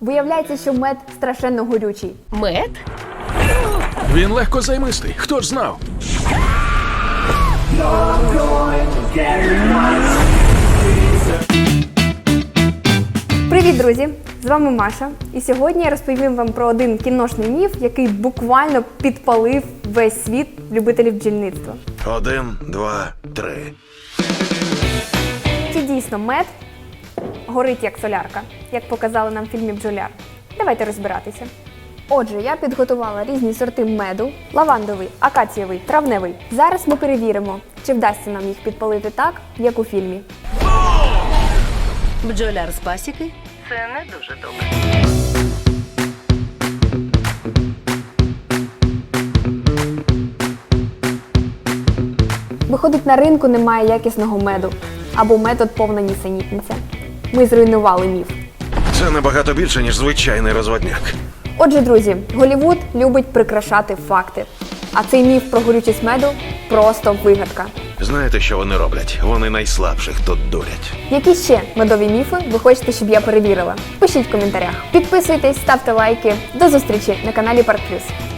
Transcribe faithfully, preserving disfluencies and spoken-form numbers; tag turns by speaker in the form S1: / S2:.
S1: Виявляється, що мед страшенно горючий.
S2: Мед?
S3: Він легко займистий. Хто ж знав?
S1: Привіт, друзі! З вами Маша. І сьогодні я розповім вам про один кіношний міф, який буквально підпалив весь світ любителів бджільництва.
S4: Один, два, три.
S1: Чи дійсно мед горить як солярка, як показали нам в фільмі «Бджоляр»? Давайте розбиратися. Отже, я підготувала різні сорти меду: лавандовий, акацієвий, травневий. Зараз ми перевіримо, чи вдасться нам їх підпалити так, як у фільмі.
S2: Бджоляр з пасіки? Це не дуже добре.
S1: Виходить, на ринку немає якісного меду. Або метод повна нісенітниця. Ми зруйнували міф.
S4: Це набагато більше, ніж звичайний розводняк.
S1: Отже, друзі, Голлівуд любить прикрашати факти. А цей міф про горючість меду – просто вигадка.
S4: Знаєте, що вони роблять? Вони найслабших тут дурять.
S1: Які ще медові міфи ви хочете, щоб я перевірила? Пишіть в коментарях. Підписуйтесь, ставте лайки. До зустрічі на каналі Парк Плюс.